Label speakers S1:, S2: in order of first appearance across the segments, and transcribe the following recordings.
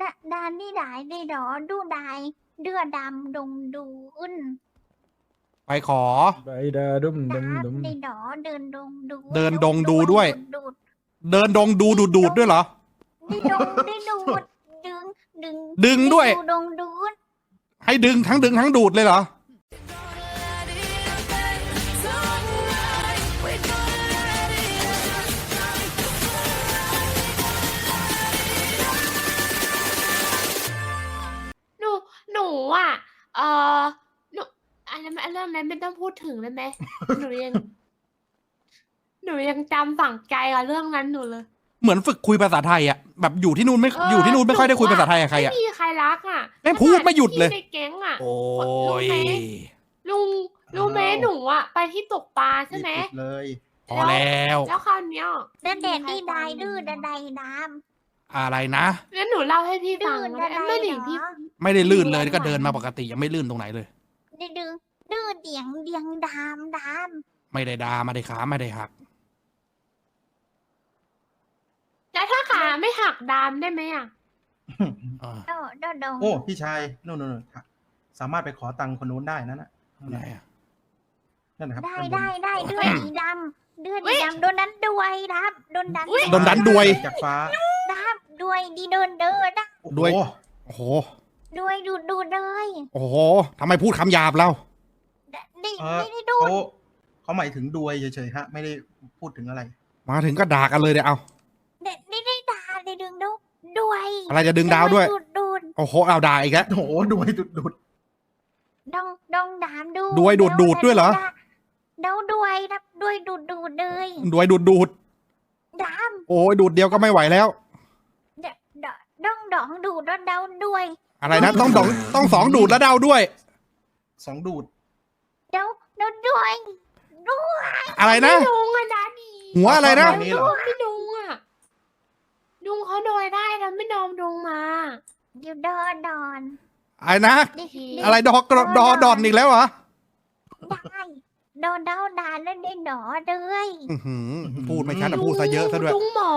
S1: đàn đi đại đi đỏ đu đài đưa đàm đùng đù un
S2: ไปขอ
S3: ใบดาดุมดุม
S1: đàn
S3: ดุม
S1: đi đỏ đơn đùng đù
S2: เดินดงดูด้วย
S1: đụt
S2: เดินดงดูดูดด้วยเหรอ
S1: đi đùng đi đụt đừng đừng
S2: ดึงด้วย
S1: đù đùng đụt
S2: ให้ดึงทั้งดูดเลยเหรอ
S4: หนูอ่ะหนูอันนั้นเรื่องนั้นไม่ต้องพูดถึงเลยไหม หนูยังจำฝังใจกับเรื่องนั้นหนูเลย
S2: เหมือนฝึกคุยภาษาไทยอ่ะแบบอยู่ที่นู่นไม่อยู่ที่นู่นไม่ค่อยได้คุยภาษาไทยกับใครอ่ะ
S4: ไม่มีใครรักอ่ะ
S2: แม่งพูดไม่หยุดเลย
S4: ในแก๊งอ่ะ
S2: โอ้ย
S4: รู้ไหมหนูอ่ะไปที่ตกปลาใช่ไหม
S5: รีบปิดเลย
S2: พอแล้ว
S4: แล้วคราวเนี้ย
S1: đàn đèn đi đài đưa đàn đài đàm
S2: อะไรนะ
S4: งั้นหนูเล่าให้พี่ฟัง
S1: ดื้อ
S4: นะ
S1: อะไร
S4: ไม่ได้
S1: เหรอ
S4: พี่
S2: ไม่ได้ลื่นเลยก็เดินมาปกติยังไม่ลื่นตรงไหนเลย
S1: đi đường đưa điện điện đàm đàm
S2: ไม่ได้ดาไม่ได้ขาไม่ได้หัก
S4: แล้วถ้าขาไม่หักดามได้ไหมอ่ะ
S2: อ่า
S1: đó đó đồng
S5: โอ้พี่ชายนู่นสามารถไปขอตังค์คนนู้นได้นั่นน่ะ
S2: ไหนอะ
S5: นั่นนะครับ
S1: ได้
S5: คนนู้น
S1: ได้ได้เดือดดีดำเดือดดีดำโดนนั้นด้วยครับโดนดัน
S2: โดนดันด้วย
S5: จากฟ้า
S1: ครับด้วยดีโดนเดินนะ
S5: โอ้
S2: ด้วย
S5: โห
S2: โอ้โห
S1: ด้วยดูดูเลย
S2: โอ้โหทำไมพูดคำหยาบเรา
S1: ดิ
S5: เออ
S1: ไม่ได้ดู
S5: เขาหมายถึงดวยเฉยๆฮะ ไม่ได้พูดถึงอะไร
S2: มาถึงก็ด่ากันเลยเดี๋ยวเอา
S1: ได้ด่าได้ดึงดูด้วย
S2: อะไรจะดึงดาวด้วย
S1: ดูด
S2: โอ้โหเอาด่าอีกแล้ว
S5: โอ้โหดวยดุด
S1: ดองดองดามดู
S2: ด้วยดูดดูดด้วยเหรอ
S1: เดาด้วยครับด้วยดูดดูดเลย
S2: ด้วยดูด
S1: ดาม
S2: โอ้ยดูดเดียวก็ไม่ไหวแล้ว
S1: ดองดองดูดแล้วเดาด้วย
S2: อะไรนะต้องสองดูดแล้วเดาด้วย
S5: สองดูด
S1: เดาด้วยด้วย
S2: อะไรนะ
S4: พี่ลุงอะนะดี
S2: หัวอะไรนะ
S5: ตนี้เหรอ
S4: พี่ลุงอะลุงเขาโดยได้แล้วไม่นอมลุงมา
S1: อยู่ดอนดอน
S2: อะไรนะ
S1: ดิ
S2: อะไรดอกดอนอีกแล้วเหรอ
S1: ได้โดนเดาด่าแล้วได้หนอเลย
S2: อื้อหือพูดไม่ชัดแต่พูดซะเยอะซะด้วย
S4: ลุงหมอ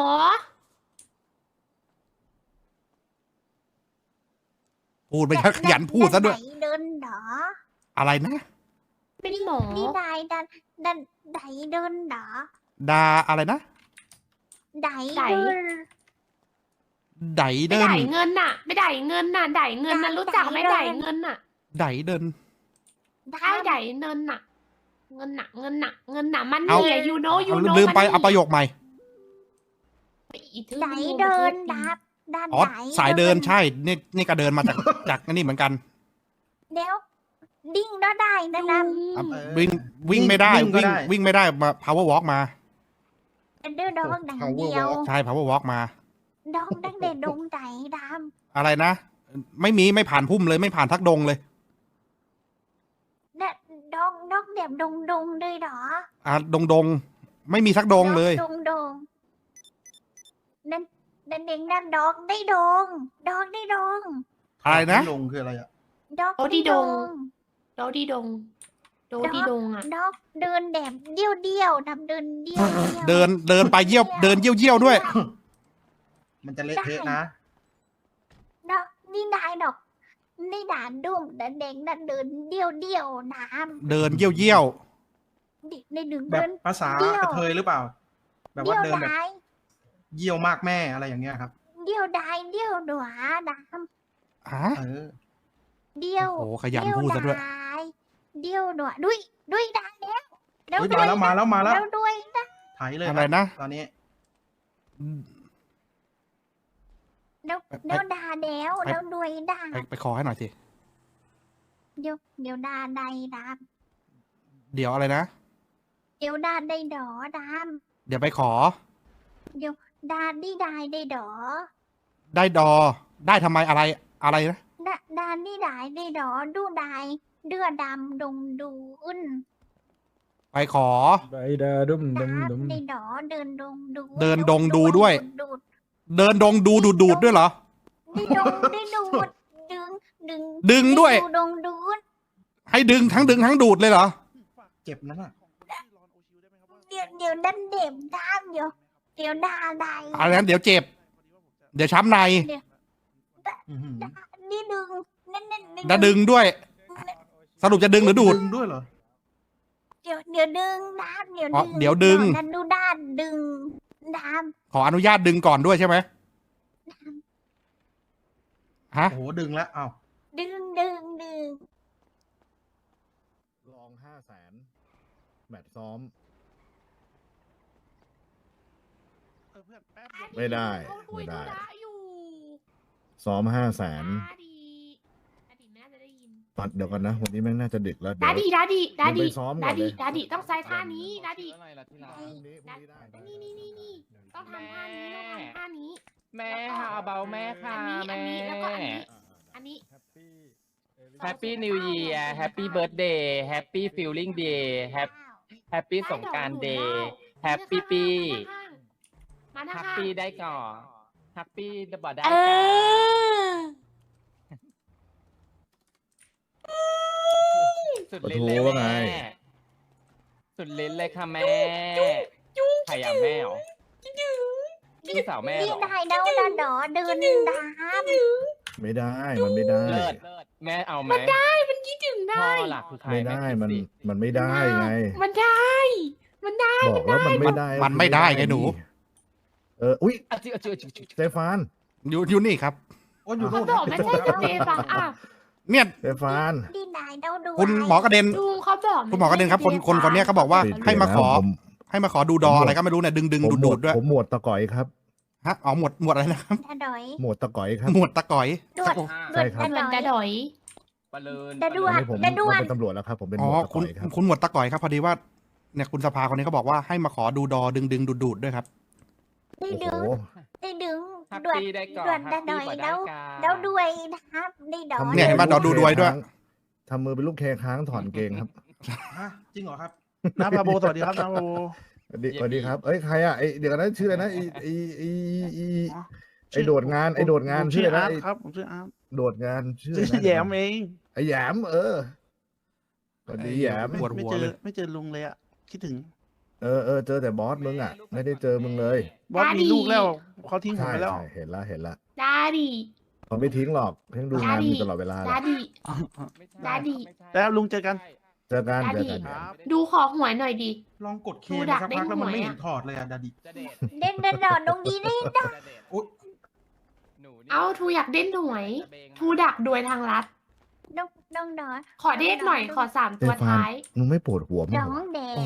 S2: พูดไม่ชัดขยันพูดซะด้วย
S1: ไหนเดินหนอ
S2: อะไรนะ
S4: เป็นหมอ
S1: นี่ได้ดันไหนเดินหนอ
S2: ดาอะไรนะ
S1: ไหนเดิน
S2: ได
S4: ไม่
S2: เดิน
S4: ได้เงินน่ะ ไม่ได้เงินน่ะได้เงินน่ะรู้จักไหมได้เงินน่ะ
S2: ไดเดิน
S4: ใช่ได้เงินน่ะ เงินน่ะเงินน่ะเงินน่ะมัน
S2: เอา
S4: เนี่ยยูโนยู
S2: เอา
S4: โน
S2: ลืมไปเอาประโยคใหม่
S1: ไหนเดินดับดัน
S2: อ๋อ
S1: ไหน
S2: สายเดินใช่นี่ก็เดินมาจากนี่เหมือนกัน
S1: เดี๋ยวดิ้งแล้วได้นะดับ
S2: อ่ะ
S5: เออ
S2: วิ่งไม่ได้
S5: วิ่งก็ได้
S2: วิ่งไม่ได้มา power walk มา
S1: เดินดองดังเดียว
S2: ใช่ power walk มา
S1: ดองดังเด่นดงไหนด
S2: อะไรนะ ไม่ผ่านพุ่มเลยไม่ผ่านทักดงเลย
S1: ำเนี่ยดองเดี่ยมดงเลยเหรอ
S2: อ่ะดงไม่มีทักดงเลย
S1: ดงนั่นเด็กนั่นดองได้ดงได้ดง
S2: อะไรนะ
S5: ลงคืออะไรอ่ะ
S1: ดอง
S4: โดดีดง โดดีดงอ่ะ
S1: ดองเดินแดมเดี่ยวดำเดินเดี่ยว
S2: เดินไปเยี่ยวด้วย
S5: มันจะเละเทะนะ
S1: ดอกนี่นายดอกนี่ด่านดุ่มแต่เด็กนั่นเดินเดี่ยวน้
S2: เดินเยี่ยว
S1: ำดิในดึง
S5: แบบ
S1: เดิน
S5: ภาษา
S1: เดี่ยว
S5: กระเทยหรือเปล่า แบบ
S1: เดี่
S5: ว่า
S1: ยว
S5: เดินแบบ
S1: ได้
S5: เยี่ยวมากแม่อะไรอย่างเงี้ยครับ
S1: เดี่ยวได้เดี่ยวหนัวน้
S2: ฮะ
S5: เออ
S1: ำเดี่ยว
S2: โอ้ขยันพูดซะด้วย
S1: เดี่ยวหนัวด้วยได้แล้ว
S5: เฮ้ยมาแล้วมาแล้ว
S1: แล้วด้วยนะ
S5: ไถเลย
S2: อะไรนะ
S5: ตอนนี้
S1: แล้วด่าแล้วด้วยด่า
S2: ไปขอให้หน่อยสิ
S1: เดี๋ยวด่าใดด
S2: เดี๋ยวอะไรนะ
S1: ำเดี๋ยวด่าได้ดอด
S2: เดี๋ยวไปขอ
S1: ำเดี๋ยวด่าดีได้ดอ
S2: ได้ดอ ได้ทำไมอะไรนะ
S1: ด่านี่ได้ดอดูได้เดือดำดงดูอุ่น
S2: ไปขอ
S3: ใบดาดุมดุม
S1: ดา
S3: ดุม
S1: ได้ดอเดินดงดู
S2: เดินดงดูด้วย
S1: ดูด
S2: เดินดงดูดด้วยเหรอ
S1: ได้ดงได้ดูดดึง
S2: ดึงด้วย
S1: ดงดูด
S2: ให้ดึงทั้งดูดเลยเหรอ
S5: เจ็บนั่นน่ะ
S1: เดี๋ยวดันเด็บดามเดี๋ยวด่าได้
S2: อะไรนั้นเดี๋ยวเจ็บ เดี๋ยวช้ำใน
S5: อื้อหือ
S1: นี่ดึงนั่น
S2: จะดึงด้วย สรุปจะดึงหรือดูด
S5: ดึงด้วยเหรอ
S1: เดี๋ยวดึงน้ำเดี๋ยว
S2: อ๋อ
S1: ดึง
S2: เดี๋ยวดึง
S1: นั่นดูด้านดึงน้
S2: ขออนุญาตดึงก่อนด้วยใช่ไหมฮะ
S5: โอ้โหดึงแล้วอ้าว
S1: ำดึง
S6: ลอง500,000แมตช์ซ้อม ไม่ได้
S4: เขาคุย
S6: ไม่ได้
S4: ธุระอยู่
S6: ซ้อม500,000
S4: ดาดีไม่น่าจะได้ยิน
S6: ปัดเดี๋ยวกันนะ วันนี้แม่งน่าจะดึกแล้วเดี๋
S4: ดา
S6: ยว
S4: ดีดาดีดาดี
S6: มึงไปซ้อมก่
S4: ดา
S6: อนเล
S4: ดี
S6: ย
S4: ดาดีต้องใช้ท่านี้ดาดี
S6: พรุ่งนี้ได้
S4: นี่ต้องทำท่านี้ต้องทำท่านี้
S7: แม่ฮาเบาแม่ค่ะ
S4: อันนี้แล้วก็อันนี้
S7: แฮปปี้นิว e ยีร์แฮปปี้เบิร์ดเดย์แฮปปี้ฟิลลิ่งเดย์แฮปปี้สงกรารเดย์แฮปปี้ปี
S4: มานะ
S7: แฮป
S4: คะ
S7: ปี้ได้ก่อนแฮปปี้ดับได้
S4: เอ
S7: ก่อน
S4: อ
S7: สุดลิ้นเลย
S6: ปะโถว่าไง
S7: แม่สุดลิ้นเลยค่ะแม่ใครอยากแม่เหรอพี่สาวแม่
S1: นี่
S7: เหรอ
S1: ได้แล้วนะดอดึงน้
S6: ไม่ได้ มันไม่ได้
S7: เลิศแม่เอาไหม
S4: มันคิดถึง
S7: พ่
S4: ได้
S7: อหลักคือใคร
S6: ไม่ได้
S7: แคิ
S6: มัน
S7: สิ
S6: มันไม่ได้ไง
S4: มันได้ มันได้
S6: บอกแล้วมันไม่ได้
S2: มันไม่ได้ไงหนู
S6: อุ๊ย
S7: อ่ะจิอ่ะจิอ่ะจิอ่ะ
S6: สเตฟาน
S2: อยู่นี่ครับ
S5: โอ้อยู่
S4: เขา
S5: นู่น
S4: บอกไม่ใช่สเตฟานอ่ะ
S2: เนี่ย
S6: สเตฟาน
S1: ำนี่ได้แล้วดู
S2: คุณหมอกระเด็น
S4: ลุงเขาบอก
S2: คุณหมอกระเด็นครับคนเนี้ยเขาบอกว่า
S6: ติด
S2: ให้มาขอ
S6: ผม
S2: ให้มาขอดูดออะไรก็ไม่รู้เนี่ยดึง
S6: ผม
S2: ดูดด้วย
S6: ผมหมวดตะก๋อยครับ
S2: ฮะอ๋อหมวดอะไรนะครับ
S1: ดาดอย
S6: หมวดตะก๋อยครับ
S2: หมวดตะก๋อย
S1: ดวด
S6: ใช่ครับ
S1: ดวด
S4: ดาดอย
S7: ปะเลิน
S1: ดาด้ว
S6: อันนี้ผม
S1: ดาด้วน
S6: เป็นตำรวจแล้วครับ ผมเป็นห
S2: อ๋
S6: ม
S2: อ
S6: วดตะ
S2: คุ
S6: ก๋
S2: ณ
S6: อยครับ
S2: คุณหมวดตะก๋อยครับพอดีว่าเนี่ยคุณสภาคนนี้เขาบอกว่าให้มาขอดูดอดึงดูดด้วยครับ
S1: ได้
S6: โอ้
S1: ดึง
S6: โห
S1: ได้ดึง
S7: แฮป
S1: ดวด
S7: ปี้ได้ก่อน
S1: ดวด
S7: แฮ
S1: ดา
S7: ป
S1: ด
S7: ปี้
S1: อย
S7: กว่าได้
S1: แล้ว
S7: กัน
S1: แล้วด้วยนะครับได้ดอย
S2: เนี่ยเห็นปะดอดูด้วยด้วย
S6: ทำมือเป็นลูกแคค้างถอนเกงครับ
S5: ฮะจริงเหรอครับ
S3: น้าพาโบสวัสดีครับน้าพาโบ
S6: สวัสดีครับ เอ้ยใครอ่ะไอเดี๋ยวกันนะชื่ออะไรนะไอโดดงานไอโดดงานชื่ออะไรนะไอ้
S3: ครับผมชื่ออาร์ต
S6: โดดงานชื่อ
S3: ชื่
S6: อะไร
S3: อ
S6: นะ
S3: แยมเอง
S6: ไอแหยมสวัสดีแหยม
S2: ปวดหัวเลย
S3: ไม่เจอลุงเลยอะคิดถึง
S6: เจอแต่บอสมึงอ่ะ ไม่ได้เจอมึงเลย
S3: บอสมีลูกแล้วเขาทิ้งผม
S6: ใช่
S3: ไปแล้ว
S6: ใช่เห็นละ
S4: ดาดี
S6: เขาไม่ทิ้งหรอกเพิ่งดูงานอยู่ตลอดเวลาเล
S4: ดาย ดี
S7: ไม่ใช่
S4: ดาดิ
S7: ไม่ใช่
S3: แล้วลุงเจอกัน
S6: เจอกัน
S4: ดาดิ
S6: เจอกัน
S3: ครับ
S4: ดูขอหวยหน่อยดิ
S5: ลองกดเค
S4: ดู
S5: ไป
S4: ดัก
S5: สักพักแล้วมันไม่
S4: ได้หวยอะ
S5: เห็นถอดเลยอะดาดิ
S7: จะเดท
S1: เด่นดอดงดีนี่
S7: จะเดท
S5: อุ๊ย
S7: หนูนี่
S4: เอาทูอยากเด่นหวย ทูดักโดยทางลัด
S1: ดองดอ
S4: ขอเดทหน่อย ขอ3 ตัวท้าย
S6: มึงไม่ปวดหัวมั้
S1: ด
S6: ง
S1: อ
S6: เหรอง
S1: แด
S2: โอ้
S1: ง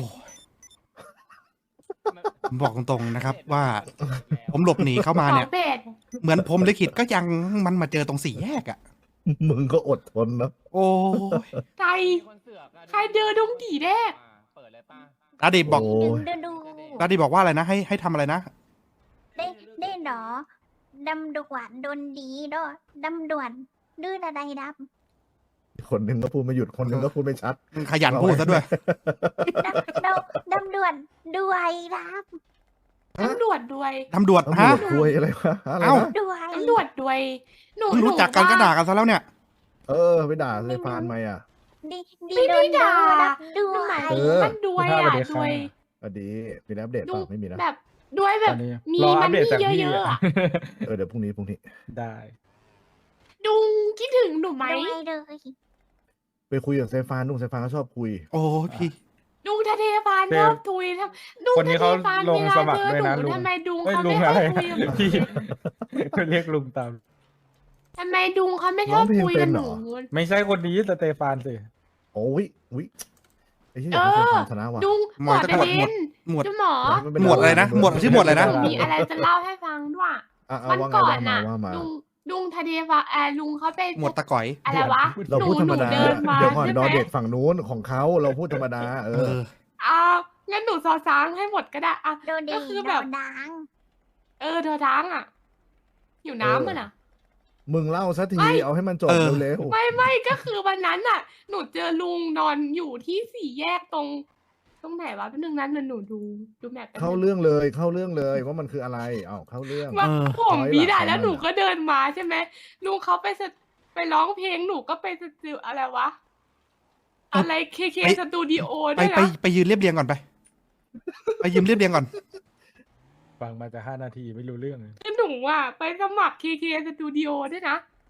S2: ผมบอกตรงๆนะครับว่า ผมหลบหนีเข้ามา
S4: ขอ
S2: เนี่ย
S4: เบส
S2: เหมือนผมลิขิตก็ยังมันมาเจอตรงสี่แยกอ่ะ
S6: มึงก็อดทนนะ
S2: โอ้ย
S4: ใคร
S7: มีคนเสือกอะ
S4: ใครเจอดงกี่แรก
S7: เปิดเลยป่ะ
S2: ดาดิบอก
S6: โอ้
S1: ดึ
S6: ย
S1: งดู
S2: ดาดิบอกว่าอะไรนะให้ทำอะไรนะ
S1: ได้ดอดำดวนโดนดีดอดำดวนดื้ออะไรด
S6: คนหนึ่งก็พูดไม่หยุดคนหนึ่งก็พูดไม่ชัด
S2: ขยันพูดซะด้วย
S1: ำดำดวนด้วยด
S4: ตำรวจด้วย
S2: ตำรวจ
S6: ตำร
S2: ฮะ
S6: วจคุยอะไรวะอะไร
S2: เอ้า
S6: นะ
S1: ำด้วย
S4: ตำรวจด้วย หนู
S2: เพิ่งรู้จักกันก็ด่ากันซะแล้วเนี่ย
S6: ไปด่าเซฟานไหมอ่ะ
S1: ดีดี
S4: ไม่
S1: โด
S4: ได้
S1: นด่า
S4: ด่า
S1: ด้
S4: มัน
S1: ว
S4: หมาย
S1: ย
S4: ถึงมันด้วย
S3: ส
S4: อ่ะ
S3: วัสดีครับ
S4: ด้วย
S6: สวัสดีมีอัปเดตเป
S4: ดู
S6: ล่าไม่มีนะ
S4: แบบด้วยแบบ
S3: ตอนนี้
S4: มี
S3: รอ
S4: มั
S3: อั
S4: น
S3: ปเดต
S4: นี่
S3: จาก
S4: เย
S3: พี่
S4: อะๆ
S3: อะ
S4: อะ
S6: เดี๋ยวพรุ่งนี้
S3: ได้
S4: ดุงคิดถึงหนูไหม
S1: ด้วยเลย
S6: ไปคุยกับเซฟานนุ่งเซฟานก็ชอบคุย
S2: โอ้ยพี่
S4: ดุงทะเทฟานชอบทุยทำดุง
S3: คนนี้เขา
S4: ทะทฟน
S3: ลงสมัครด้วยนะ
S4: เวลาเจอห
S3: ลุง
S4: ทำไมดุง
S3: ไม่
S4: เขา
S3: ลุ
S4: ไม่
S3: ง
S4: ชอ
S3: อะ
S4: บ
S3: ไร
S4: คุยกับหนู
S3: พี่ก็เรียกลุงตาม
S4: ทำไมดุงเขาไม่ชอบคุยกับหนู
S3: ไม่ใช่คนนี้สเตฟานสิ
S6: โอ้ยไอ้ที่อยากให้เซฟานชนะว่ะ
S4: ดุง
S2: หมอจะ
S4: ประ
S2: หมวด
S4: เด็น
S2: หมวด
S4: เจ้าหมอ
S2: หมวดอะไรนะหมวดชื่อหมวดอะไรนะ
S4: หนูมีอะไรจะเล่าให้ฟังด้วย วัน
S6: ว่าไง
S4: ก่อน
S6: ว่ามา
S4: น่ะ
S6: ว่ามา
S4: ลุงทะเทฟาลุงเขาไป
S2: หมวดตะก๋อย
S4: อะไรวะ
S6: เราพูดธรรมดา
S4: หนูเดินมา
S6: เดี๋ยวก่อน
S4: ใช่
S6: ดอ
S4: ไหม
S6: เด็ดฝั่งนู้นของเขาเราพูดธรรมดา
S2: เออ
S4: อ้าวงั้นหนูซอซ้างให้หมดก็ได้อ่ะ
S1: โดนดี
S4: ก็คือ
S1: โด
S4: แบบ
S1: นดัง
S4: เธอท้างอ่ะ อยู่น้ำมันอ่ะ
S6: มึงเล่าสักที
S4: ไม่
S6: เอาให้มันจบ
S2: เออ
S6: เร็ว
S4: ไม่ก็คือวันนั้นอ่ะ หนูเจอลุงนอนอยู่ที่สี่แยกตรงไหนวะแป๊บนึงนั้นหนูดูแมพแป๊บ
S6: ๆเข้า
S4: นึง
S6: เรื่องเลยว่ามันคืออะไรเข้าเรื่อง
S4: ว่า
S2: เออ
S4: ผม
S6: ร้อย
S4: บีได้
S6: หลัก
S4: แล้ว
S6: ของมัน
S4: หนูก็เดินมาใช่ไหมลุงเขาไปร้องเพลงหนูก็ไปสตูอะไรวะ อะไรเคสตูดิโอ
S2: ไป
S4: ด้วย
S2: ไป
S4: นะ
S2: ไปยืนเรียบเรียงก่อนไป ไปยืนเรียบเรียงก่อน
S3: ฟังมาจะ5 นาทีไม่รู้เรื่องเลย
S4: คือหนูอ่ะไปสมัครเคสตูดิโอด้วยนะ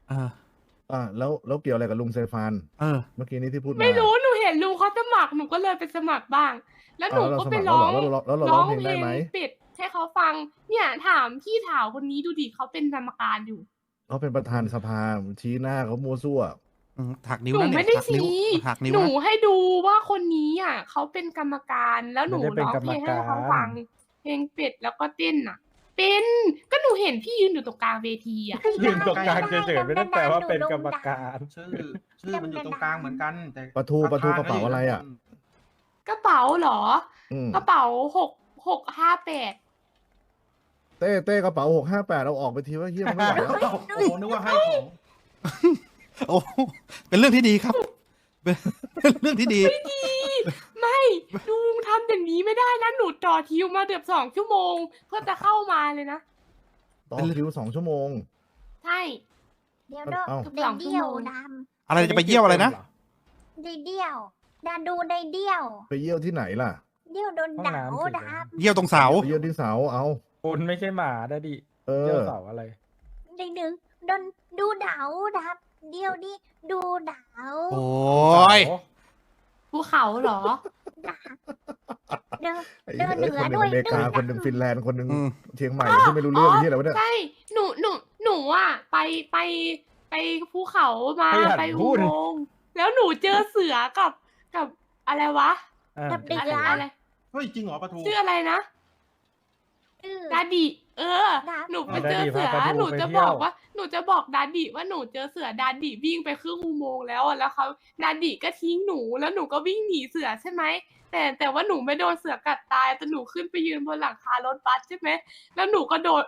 S2: เออ
S6: แล้วเกี่ยวอะไรกับลุงเซฟาน
S2: เออ
S6: เมื่อกี้นี้ที่พูดมา
S4: ไม่รู้หนูเห็นลุงเขาสมัครหนูก็เลยไปสมัครบ้าง แล้วหนูก็ไปร้อง
S6: แล้วเราร้องเพลงได้ไหม
S4: ปิดให้เขาฟัง เนี่ยถามพี่ถาวคนนี้ดูดิเขาเป็นกรรมการอยู่
S6: เขาเป็นประธานสภาชี้หน้าเขามัวซั่ว
S2: หักนิ้ว
S4: หนู
S2: นั่น
S4: ไม่
S2: เนี่ย
S4: ได้
S2: หักนิ้ว
S4: ชี้
S2: หักนิ้ว
S4: หนู
S2: นะ
S4: ให้ดูว่าคนนี้อ่ะเขาเป็นกรรมการแล้วหนู
S3: ไม่ได้เป็น
S4: ร้องเพลงให้เขา
S3: กรรมการ
S4: ฟัง เพลงเป็ดแล้วก็เต้นอ่ะ เป็นก็หนูเห็นพี่ยืนอยู่ตรงกลางเวทีอ่ะ
S3: ยืนตรงกลางเฉยๆไม่ได้แปลว่าเป็นกรรมการ
S5: ชื่อมันอยู่ตรงกลางเหมือนกัน แต่
S6: ปะทูกระเป๋าอะไรอ่ะ
S4: กระเป๋าเหรอ
S6: อืม
S4: กระเป๋า658
S6: เต้กระเป๋า658เอาออกไปทีว่าเฮียมันไม่ไหวแล้ว
S5: โอ้โหนึกว่าให้ของ
S2: โอ้เป็นเรื่องที่ดีครับ เป็นเรื่องที่ดี
S4: ไม่ลุงทำอย่างนี้ไม่ได้นะหนูต่อคิวมาเกือบ2 ชั่วโมง เพื่อจะเข้ามาเลยนะ
S6: ต่อคิว2 ชั่วโมง
S4: ใช่
S1: เดี๋ยวเด้อ
S6: เอ้า
S1: ได้เดี่ยวด
S2: อะไรจะไปเยี่ยวอะไรนะ
S1: ำได้เดี่ยวดาดูได้เดี่ยว
S6: ไปเยี่ยวที่ไหนล่ะ
S1: เดี่ยวโดนด่า
S3: ห้องน้ำสิ
S1: ดับ
S2: เยี่ยวตรงเสา
S6: ไปเยี่ยวที่เสาเอา
S3: คุณไม่ใช่หมาได้ดิ
S6: เอ
S3: เจ้า
S6: อ
S3: เสาอะไร
S1: ได้ดึงโดนดูดาวดับ เดี่ยวดิดูดาว
S2: โอ้ย
S4: ภูเขาเหรอ
S1: ดับเดิน
S6: ไอ้
S1: เดินเหนือ
S6: คนหนึ่
S1: ด้
S6: ง
S1: วย
S6: อเมริกา
S1: เดิน
S6: คนหนึ่งฟินแลนด์คนหนึ่ง
S2: อืม
S6: เชียงใหม่ที่ไม่รู้เรื่องที่อะไรวะเนี่ย
S4: ใช่ หนูอ่ะไปภูเขามา
S3: ให้หัด
S4: ไป
S3: พู
S4: อุ
S3: ด
S4: โมงค์แล้วหนูเจอเสือกับอะไรวะ
S1: กับเด็ก
S4: อะไร
S1: อะ
S4: อะไร
S5: เฮ้ย จริงเหรอปะทู
S4: ชื่ออะไรนะ
S1: อือ
S4: ดาดิเออ
S1: ดับ
S4: หนูไปเจอเสือ
S3: ดาดิพาปลาทู
S4: หนู
S3: ไป
S4: จะ
S3: เที่
S4: บ
S3: ยว
S4: อกว่า หนูจะบอกดาดิว่าหนูเจอเสือดาดิวิ่งไปครึ่งอุโมงค์แล้วอะแล้วเขาดาดิก็ทิ้งหนูแล้วหนูก็วิ่งหนีเสือใช่ไหมแต่ว่าหนูไม่โดนเสือกัดตายแต่หนูขึ้นไปยืนบนหลังคารถบัสใช่ไหมแล้วหนูก็โดด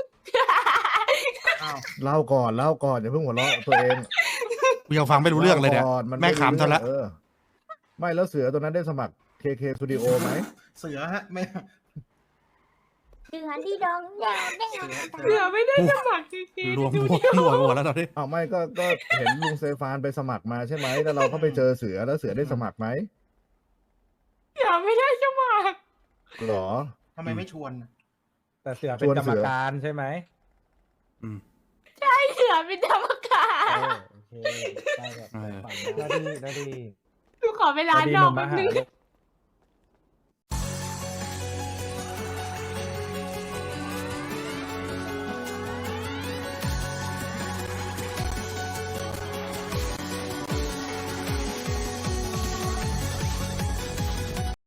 S5: อ้าว
S6: เล่าก่อนอย่าเพิ่งหัวเราะตัวเอง
S2: กูยังฟังไม่รู้เรื่องเลยเนี่ย
S6: าก่อนน
S2: แม่ขำซะละ
S6: เออไม่แล้วเสือตัวนั้นได้สมัคร KK Studio ไหม
S5: เสือฮะไม่
S1: เดือนที่ดองแดงแดง
S4: เสือไม่ได้สมัครจริง
S2: รวม
S4: ดู
S2: หัวหัวแล้วตอนนี้
S6: อ้าวไม่ก็เห็นลุงเซฟานไปสมัครมาใช่ไหมแล้วเราก็ไปเจอเสือแล้วเสือได้สมัครไหม
S4: เสือไม่ได้สมัคร
S6: หรอ
S5: ทำไมไม่ชวน
S3: แต่เสือเป็นกรรมการใช่ไหม
S4: เสือเป็นกรรมการ
S3: โอเคได้ครับ
S2: เออ
S3: ได้ดี
S4: หนูขอเวลานอกแป๊บนึง
S3: ลูก